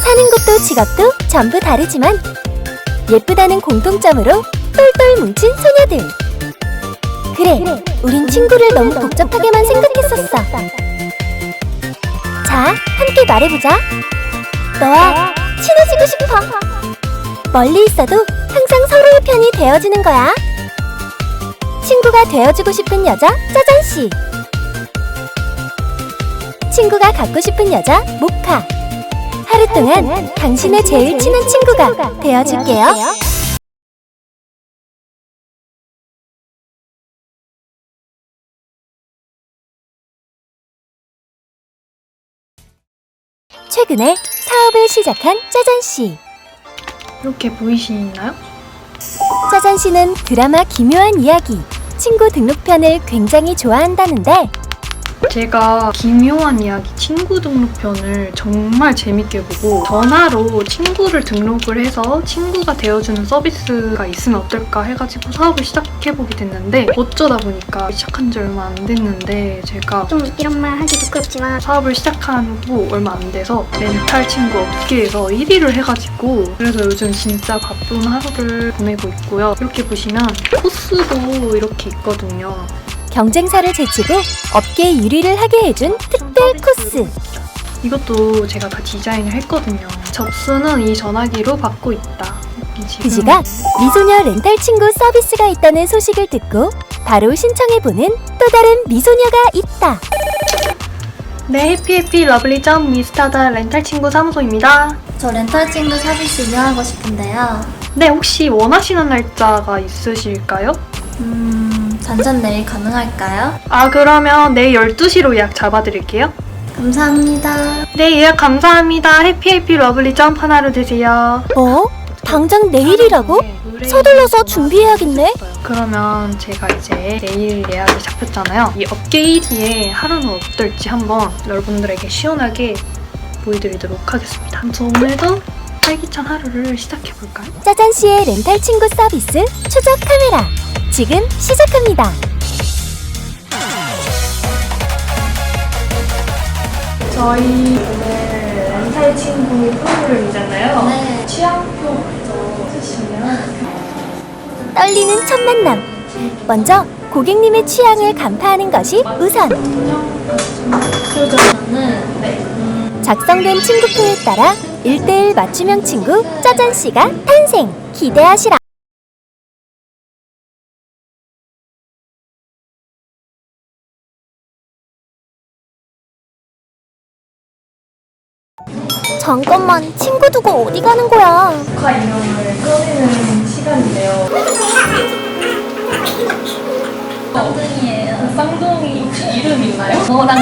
사는 곳도 직업도 전부 다르지만 예쁘다는 공통점으로 똘똘 뭉친 소녀들. 그래, 우린 친구를 너무 복잡하게만 생각했었어. 자, 함께 말해보자. 너와 친해지고 싶어. 멀리 있어도 항상 서로의 편이 되어주는 거야. 친구가 되어주고 싶은 여자 짜잔씨, 친구가 갖고 싶은 여자 모카. 하루 동안 당신의 제일 친한 친구가 되어줄게요. 최근에 사업을 시작한 짜잔씨. 이렇게 보이시나요? 짜잔씨는 드라마 기묘한 이야기 친구 등록편을 굉장히 좋아한다는데 제가 기묘한 이야기 친구 등록편을 정말 재밌게 보고 전화로 친구를 등록을 해서 친구가 되어주는 서비스가 있으면 어떨까 해가지고 사업을 시작해보게 됐는데 어쩌다 보니까 시작한 지 얼마 안 됐는데 제가 좀 이런 말 하기 부끄럽지만 사업을 시작하고 얼마 안 돼서 렌탈 친구 업계에서 1위를 해가지고 그래서 요즘 진짜 바쁜 하루를 보내고 있고요. 이렇게 보시면 코스도 이렇게 있거든요. 경쟁사를 제치고 업계 1위를 하게 해준 특별 코스. 이것도 제가 다 디자인을 했거든요. 접수는 이 전화기로 받고 있다. 그 시각 미소녀 렌탈 친구 서비스가 있다는 소식을 듣고 바로 신청해보는 또 다른 미소녀가 있다. 네, 해피해피 러블리점 미스타다 렌탈 친구 사무소입니다. 저 렌탈 친구 서비스 이용하고 싶은데요. 네, 혹시 원하시는 날짜가 있으실까요? 전전 내일 가능할까요? 아, 그러면 내일 12시로 예약 잡아드릴게요. 감사합니다. 네, 예약 감사합니다. 해피해피 러블리점 하나로 되세요. 어? 당장 내일이라고? 서둘러서 준비해야겠네. 그러면 제가 이제 내일 예약이 잡혔잖아요. 이 업계 1위의 하루는 어떨지 한번 여러분들에게 시원하게 보여드리도록 하겠습니다. 저 오늘도 활기찬 하루를 시작해볼까요? 짜잔씨의 렌탈 친구 서비스 추적 카메라 지금 시작합니다. 저희 오늘 렌탈 친구 프로그램이잖아요. 네. 취향표 먼저 쓰시면 떨리는 첫 만남. 먼저 고객님의 취향을 간파하는 것이 우선. 저는 작성된 친구표에 따라 1대1 맞춤형 친구 짜잔씨가 탄생! 기대하시라! 잠깐만, 친구 두고 어디 가는 거야? 녹화 이름을 꺼내는 시간인데요. 쌍둥이에요. 쌍둥이 혹시 이름 있나요? 너랑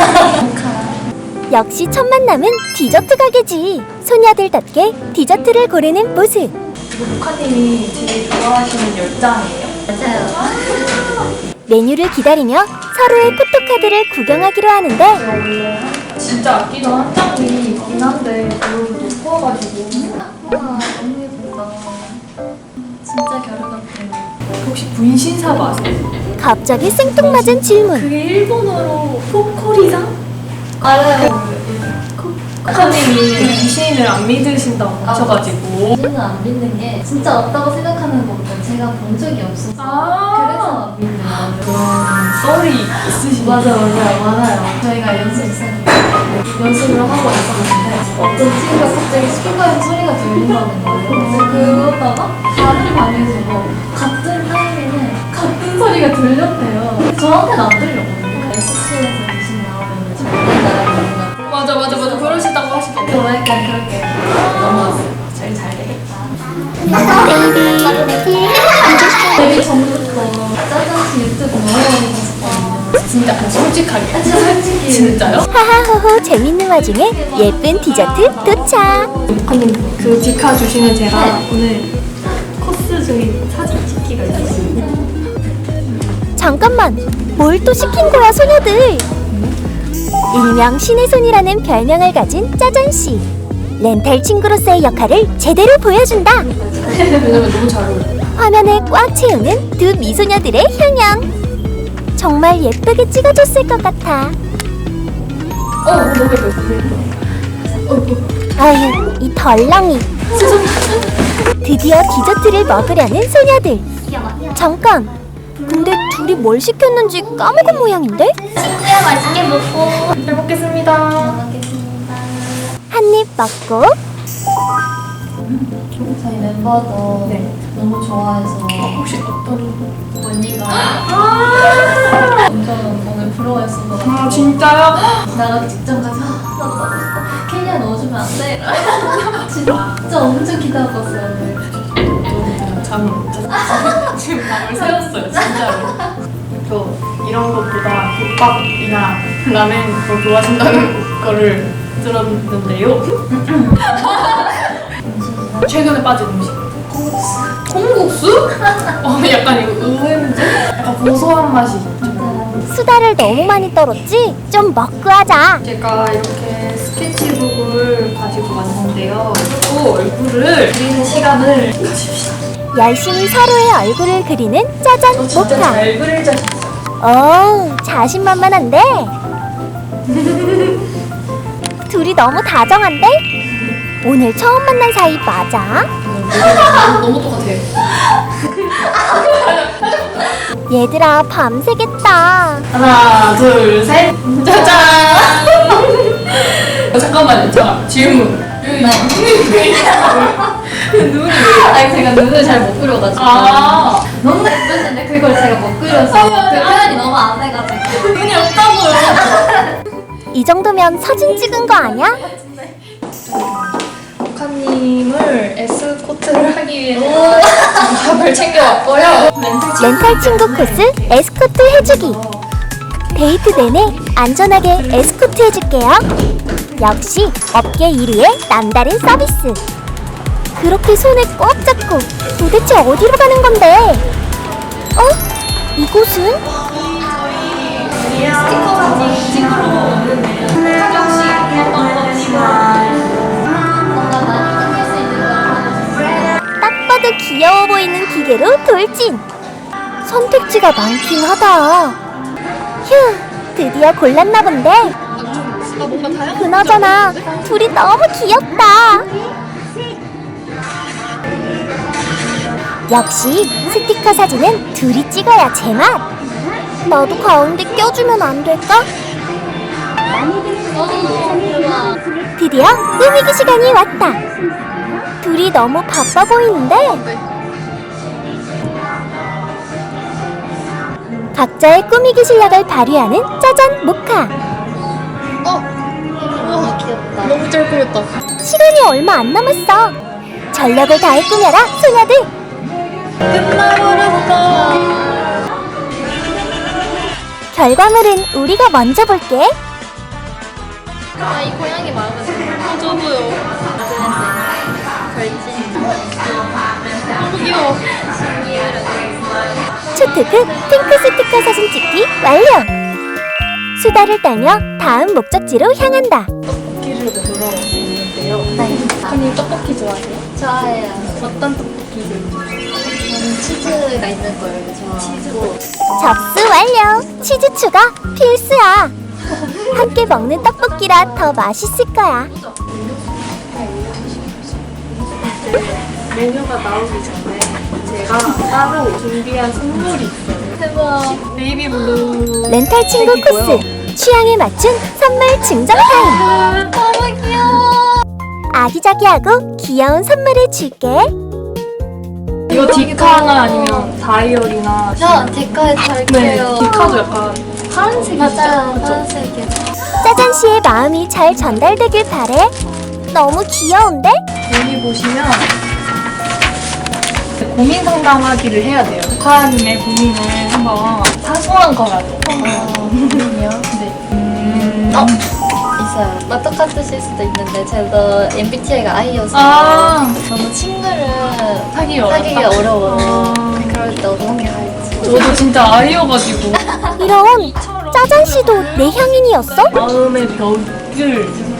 저. 역시 첫 만남은 디저트 가게지. 소녀들답게 디저트를 고르는 모습. 이거 녹화님이 제일 좋아하시는 열장이에요? 맞아요. 메뉴를 기다리며 서로의 포토카드를 구경하기로 하는데 원래 진짜 아끼던 한 장이 있긴 한데 그걸 놓고 와가지고 와, 너무 예쁘다. 진짜 결혼 같아요. 혹시 분신사바 아세요? 갑자기 생뚱맞은 질문. 그게 일본어로 포코리상? 알아요. 코카님이 귀신을 안 믿으신다고 하셔가지고 저는 안 믿는 게 진짜 없다고 생각하는 것보다 제가 본 적이 없어서 그래서 안 믿는 거예요. 그런 썰이 있으시죠? 맞아요. 저희가 연습을 하고 있었는데 어떤 친구가 갑자기 스피커에서 소리가 들린다는 거예요. 그래서 그러다가 다른 방에서 같은 타임에는 같은 소리가 들렸대요. 저한테는 안 들렸거든요. 숙소에서 귀신 나오면 정말 나라는 맞아 그러시다고 하시던데 저 약간 그렇게 넘어왔어요. 제일 잘 되겠다. 데뷔 전부터 짜잔씨 유튜브 너무 많이 봤었거든요. 진짜 솔직하게 진짜 솔직히. 진짜요? 하하호호 재밌는 와중에 예쁜 디저트 도착. 아니 그 디카 주시면 제가 네. 오늘 코스 중에 사진 찍기가 있었습니다. 잠깐만, 뭘 또 시킨 거야 소녀들. 일명 신의 손이라는 별명을 가진 짜잔씨. 렌탈 친구로서의 역할을 제대로 보여준다. 왜냐면 너무 잘 어울려요. 화면을 꽉 채우는 두 미소녀들의 향연. 정말 예쁘게 찍어줬을 것 같아. 너무 예뻐요. 아유, 이 덜렁이. 드디어 디저트를 먹으려는 소녀들. 잠깐. 근데 둘이 뭘 시켰는지 까먹은 모양인데? 친구야 맛있게 먹고. 잘 먹겠습니다. 먹겠습니다. 한 입 먹고 저희 멤버도 네. 너무 좋아해서 혹시 어떤? 언니가 완전 오늘 부러워했어서 아 진짜요? 나가 직접 가서 켈리야 넣어주면 안 돼? 진짜 엄청 기다렸었어요 오늘. 잠을 못 잤어요. 지금 밤을 새웠어요, 진짜로. 저 이런 것보다 국밥이나 라멘 더 좋아하신다는 거를 들었는데요. 최근에 빠진 음식. 콩국수? 약간 이거 의외인데? 약간 고소한 맛이 있죠. 수다를 너무 많이 떨었지? 좀 먹고 하자. 제가 이렇게 스케치북을 가지고 왔는데요. 그리고 얼굴을 그리는 시간을 가집시다. 열심히 서로의 얼굴을 그리는 짜잔 모카. 잘 그릴 자신 오, 자신만만한데? 둘이 너무 다정한데? 오늘 처음 만난 사이 맞아? 너무 똑같아요. 얘들아, 밤새겠다. 하나, 둘, 셋. 짜잔! 잠깐만요. 질문. 눈이. 아니 제가 눈을 잘 못 그려가지고 아, 너무 예쁘신데 그걸 제가 못 그려서 그 표현이 너무 안 해가지고 눈이 없다고요. 이 정도면 사진 찍은 거 아니야? 모카님을 에스코트를 하기 위해 밥을 챙겨왔고요. 렌탈 친구 코스 에스코트 해주기. 데이트 내내 안전하게 에스코트 해줄게요. 역시 업계 1위의 남다른 서비스. 그렇게 손을 꼭 잡고 도대체 어디로 가는 건데? 어? 이곳은? 스티커 사진 찍으러 왔는데요. 혹시 어떤 건지만. 뭔가 많이 끊길 수 있는 걸 하고 딱 봐도 귀여워 보이는 기계로 돌진. 선택지가 많긴 하다. 휴, 드디어 골랐나 본데. 뭔가 다양한. 그나저나 둘이 너무 귀엽다. 역시 스티커 사진은 둘이 찍어야 제맛. 나도 가운데 껴주면 안 될까? 드디어 꾸미기 시간이 왔다. 둘이 너무 바빠 보이는데? 각자의 꾸미기 실력을 발휘하는 짜잔 모카. 너무 귀엽다. 너무 잘 그렸다. 시간이 얼마 안 남았어. 전력을 다해 꾸며라, 소녀들. 끝나버렸다. 결과물은 우리가 먼저 볼게. 이 고양이 마음에 들어. 저도요. 걸진. 너무 귀여워. 초특급 핑크 스티커 사진 찍기 완료. 수다를 떨며 다음 목적지로 향한다. 떡볶이를 먹으러 왔는데요. 네. 언니 떡볶이 좋아해요? 좋아해요. 어떤 떡볶이를? 저는 치즈가 있는 걸 좋아하고. 접수 완료. 치즈 추가 필수야. 함께 먹는 떡볶이라 더 맛있을 거야. 메뉴가 나오기 전에 제가 따로 준비한 선물이 있어요. 대박. 네이비 블루. 렌탈 친구 코스 취향에 맞춘 선물 증정 타임. 너무 귀여워. 아기자기하고 귀여운 선물을 줄게. 이거 디카나 아니면 다이어리나. 저 디카에 네, 달게요. 디카도 약간 파란색이죠? 맞아요. 그쵸? 파란색이요. 짜잔 씨의 마음이 잘 전달되길 바래. 너무 귀여운데? 여기 보시면 고민 상담하기를 해야 돼요. 조카님의 고민을 한번 사소한 거라도. 고민이요? 네. 있어요. 똑같으실 수도 있는데 저도 MBTI가 I여서 너무 친구를 사귀기가 어려워요. 그럴 때 어떻게 할지. 저도 진짜 아이여가지고 이런 짜잔 씨도 내향인이었어? 마음의 벽을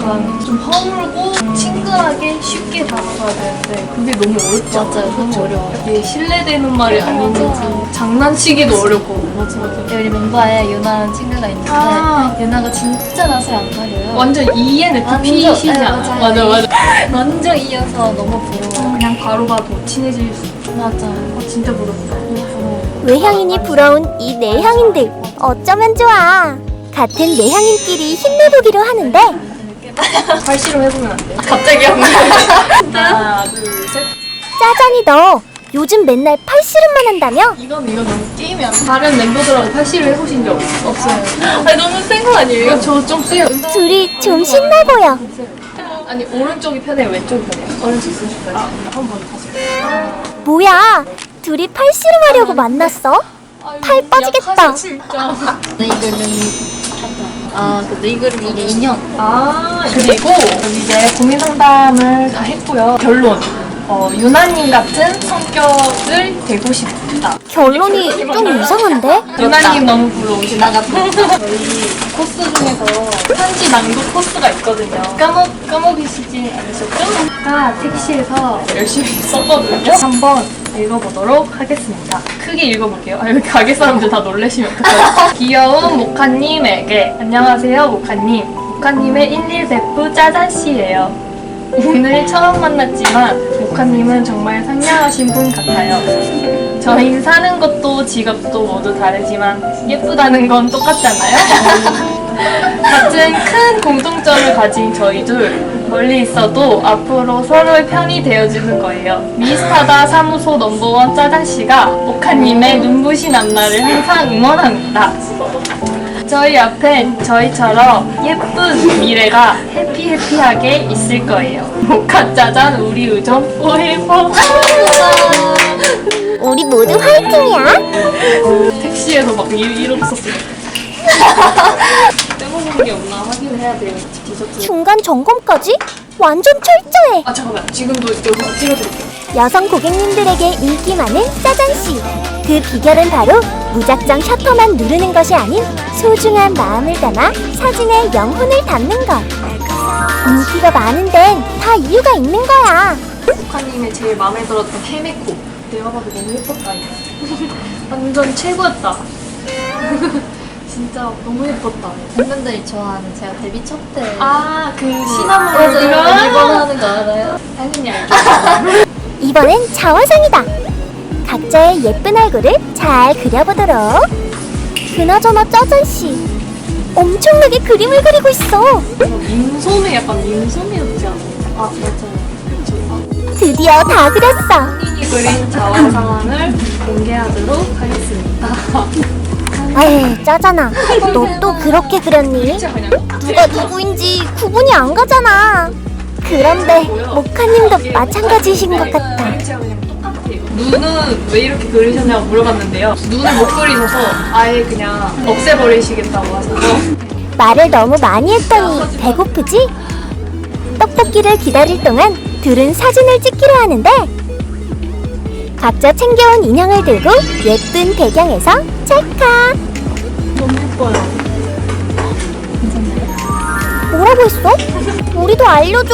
약간 좀 허물고 친근하게 쉽게 다가가야 되는데 그게 너무 어렵지 않아요? 맞아요. 너무 어려워요. 이게 신뢰되는 말이 아닌지 맞아요. 장난치기도 어렵고 맞아. 우리 멤버에 유나라는 친구가 있는데 아. 유나가 진짜 낯을 안 가려요. 완전 ENFP시지 네, 않아? 맞아요. 맞아. 완전 이어서 너무 부러워. 그냥 바로 봐도 친해질 수 있어. 맞아. 진짜 부럽다. 너무 부러워. 외향인이 부러운 이 내향인들 어쩌면 좋아. 같은 내향인끼리 힘내보기로 하는데 발씨름 해보면 안 돼? 갑자기 한 거야. 하나, 둘, 셋. 짜잔이 너 요즘 맨날 팔씨름만 한다며? 이거 너무 게임이 안 돼. 다른 멤버들하고 팔씨름 해보신 적 없어요? 아니 너무 센 거 아니에요? 저 좀 세요. 둘이 좀 신나 보여. 아니 오른쪽이 편해요? 왼쪽이 편해요? 오른쪽 쓰실까요? 한번 다시. 뭐야? 둘이 팔씨름 하려고 만났어? 팔 빠지겠다. 진짜. 네이글님이 그 네이글이 이게 인형. 그리고 이제 고민 상담을 다 했고요. 결론. 유나님 같은 성격을 되고 싶다. 결론이 좀 이상한데? 유나님 너무 부러우시다. 저희 코스 중에서 편지 낭독 코스가 있거든요. 까먹으시지 않으셨죠? 아까 택시에서 열심히 썼거든요. 한번 읽어보도록 하겠습니다. 크게 읽어볼게요. 여기 가게 사람들 다 놀라시면 어떡해요. 귀여운 모카님에게 안녕하세요 모카님. 모카님의 11베프 짜잔씨예요. 오늘 처음 만났지만 모카님은 정말 상냥하신 분 같아요. 저희 사는 것도 직업도 모두 다르지만 예쁘다는 건 똑같잖아요. 같은 큰 공통점을 가진 저희 둘 멀리 있어도 앞으로 서로의 편이 되어주는 거예요. 미스타다 사무소 넘버원 짜장씨가 모카님의 눈부신 앞날을 항상 응원합니다. 저희 앞엔 저희처럼 예쁜 미래가 해피해피하게 있을 거예요. 모카 짜잔 우리 우정 포에버. 우리 모두 화이팅이야. 택시에서 막 이러고 있었어요. 빼먹은 게 없나 확인해야 돼요. 디저트. 중간 점검까지 완전 철저해. 잠깐만. 지금도 여기서 찍어드릴게요. 여성 고객님들에게 인기 많은 짜잔씨. 그 비결은 바로 무작정 셔터만 누르는 것이 아닌 소중한 마음을 담아 사진에 영혼을 담는 것. 인기가 많은 데는 다 이유가 있는 거야. 모카님의 제일 마음에 들었던 헤메코. 내가 봐도 너무 예뻤다. 이거. 완전 최고였다. 진짜 너무 예뻤다. 팬분들이 좋아하는 제가 데뷔 첫 때. 그 시나몬 맞아요. 이거? 이번 하는 거 알아요? 당연히 알죠. 이번엔 자화상이다. 각자의 예쁜 얼굴을 잘 그려보도록. 그나저나 짜잔씨 엄청나게 그림을 그리고 있어. 민소매 약간 민소매였지 않아요? 맞아요. 드디어 다 그렸어. 본인이 그린 자화 상황을 공개하도록 하겠습니다. 에이 짜잖아. 너 또 그렇게 그렸니? 진짜 그냥 누가 누구인지 구분이 안 가잖아. 그런데 모카님도 마찬가지이신 것 같아. 진짜 그냥 똑같아요. 눈은 왜 이렇게 그리셨냐고 물어봤는데요. 눈을 못 그리셔서 아예 그냥 없애버리시겠다고 하셔서 말을 너무 많이 했더니 배고프지? 떡볶이를 기다릴 동안 둘은 사진을 찍기로 하는데 각자 챙겨온 인형을 들고 예쁜 배경에서 찰칵. 너무 예뻐요. 뭐라고 했어? 우리도 알려줘.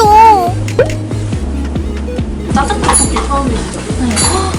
짜장 떡볶이 처음이시죠? 네.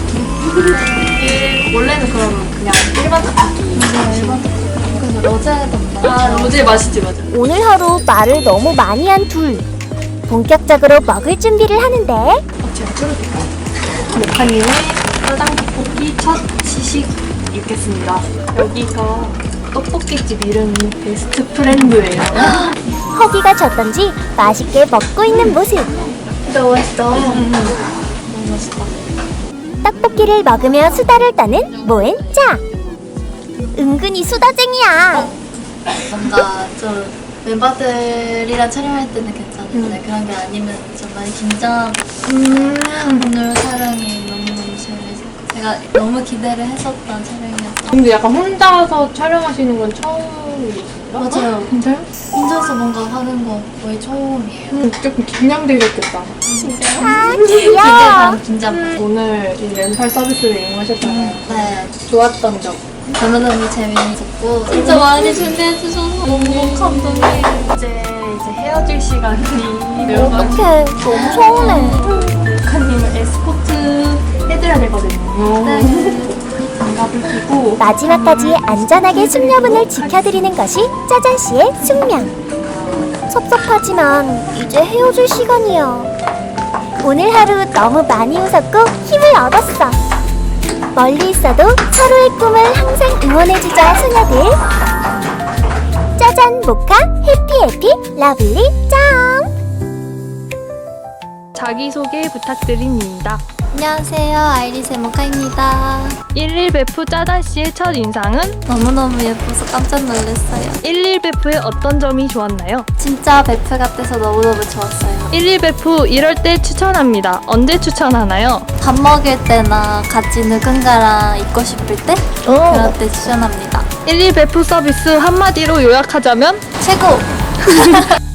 이게 원래는 그럼 그냥 일반 떡볶이. 그래서 로제던가. 로제 맛있지 맞아. 오늘 하루 말을 너무 많이 한 둘. 본격적으로 먹을 준비를 하는데 제가 끓여드릴까요? 모카님의 짜장 떡볶이 첫 시식 읽겠습니다. 여기가 떡볶이집 이름이 베스트 프렌드예요. 허기가 졌던지 맛있게 먹고 있는 모습. 진짜 맛있다. 너무 맛있다. 떡볶이를 먹으며 수다를 떠는 모엔짜. 은근히 수다쟁이야. 뭔가 좀 멤버들이랑 촬영할 때는 괜찮은데 그런 게 아니면 좀 많이 긴장. 오늘 촬영이 너무너무 재밌었고 제가 너무 기대를 했었던 촬영이었어. 근데 약간 혼자서 촬영하시는 건 처음이신가? 맞아요. 진짜요? 혼자서 뭔가 하는 거 거의 처음이에요. 조금 긴장되셨겠다. 아 기대 귀여워. 반 긴장 반. 오늘 이 렌탈 서비스를 이용하셨잖아요. 네. 좋았던 점. 너무너무 재밌었고 진짜 많이 준비해 주셔서 너무 감동이에요. 이제 이제 헤어질 시간이 되어가지고 어떡해, 너무 서운해. 작가님을 에스코트 해드려야 되거든요. 장갑을 끼고 마지막까지 안전하게 숙녀분을 지켜드리는 것이 짜잔씨의 숙명. 섭섭하지만 이제 헤어질 시간이야. 오늘 하루 너무 많이 웃었고 힘을 얻었어. 멀리 있어도 서로의 꿈을 항상 응원해주자 소녀들. 짜잔 모카 해피 러블리 점. 자기소개 부탁드립니다. 안녕하세요. 아이리스 모카입니다. 11베프 짜잔씨의 첫 인상은? 너무너무 예뻐서 깜짝 놀랐어요. 11베프의 어떤 점이 좋았나요? 진짜 베프 같아서 너무너무 좋았어요. 11베프 이럴 때 추천합니다. 언제 추천하나요? 밥 먹을 때나 같이 누군가랑 있고 싶을 때 그럴 때 추천합니다. 11베프 서비스 한마디로 요약하자면? 최고!